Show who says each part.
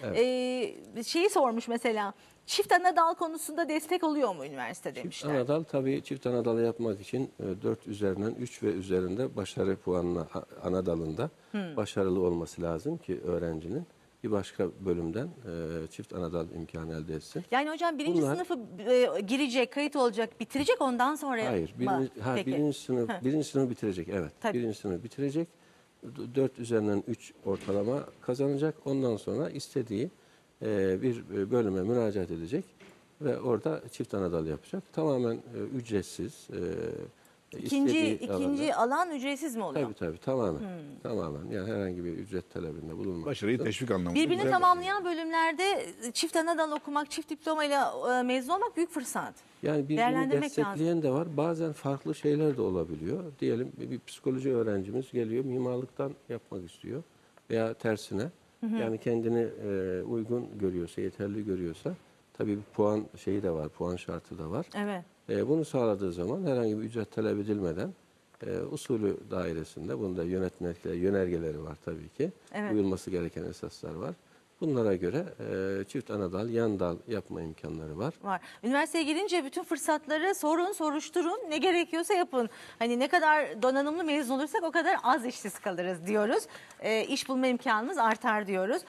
Speaker 1: Şeyi sormuş mesela, çift ana dal konusunda destek oluyor mu üniversite demişler.
Speaker 2: Çift anadal tabii çift anadalı yapmak için 4 üzerinden 3 ve üzerinde başarı puanına anadalında başarılı olması lazım ki öğrencinin bir başka bölümden çift anadal imkanı elde etsin.
Speaker 1: Yani hocam birinci sınıfı girecek, kayıt olacak, bitirecek ondan sonra
Speaker 2: Hayır, birinci sınıfı bitirecek, evet.
Speaker 1: Tabii.
Speaker 2: Birinci sınıfı bitirecek, 4 üzerinden 3 ortalama kazanacak. Ondan sonra istediği bir bölüme müracaat edecek ve orada çift anadal yapacak. Tamamen ücretsiz.
Speaker 1: İkinci alan ücretsiz mi oluyor?
Speaker 2: Tabii tamamen. Tamamen. Yani herhangi bir ücret talebinde bulunmak.
Speaker 3: Başarıyı teşvik anlamında.
Speaker 1: Birbirini
Speaker 3: güzel.
Speaker 1: tamamlayan bölümlerde çift anadal okumak, çift diplomayla mezun olmak büyük fırsat.
Speaker 2: Yani birbirini
Speaker 1: Değerlendirmek
Speaker 2: destekleyen
Speaker 1: lazım.
Speaker 2: de var. Bazen farklı şeyler de olabiliyor. Diyelim bir psikoloji öğrencimiz geliyor, mimarlıktan yapmak istiyor veya tersine. Yani kendini uygun görüyorsa, yeterli görüyorsa, tabii bir puan şeyi de var, puan şartı da var.
Speaker 1: Evet.
Speaker 2: Bunu sağladığı zaman herhangi bir ücret talep edilmeden usulü dairesinde, bunda yönergeleri var tabii ki.
Speaker 1: Evet.
Speaker 2: Uyulması gereken esaslar var. Bunlara göre çift anadal, yan dal yapma imkanları var.
Speaker 1: Var. Üniversiteye gidince bütün fırsatları sorun, soruşturun, ne gerekiyorsa yapın. Hani ne kadar donanımlı mezun olursak o kadar az işsiz kalırız diyoruz. İş bulma imkanımız artar diyoruz.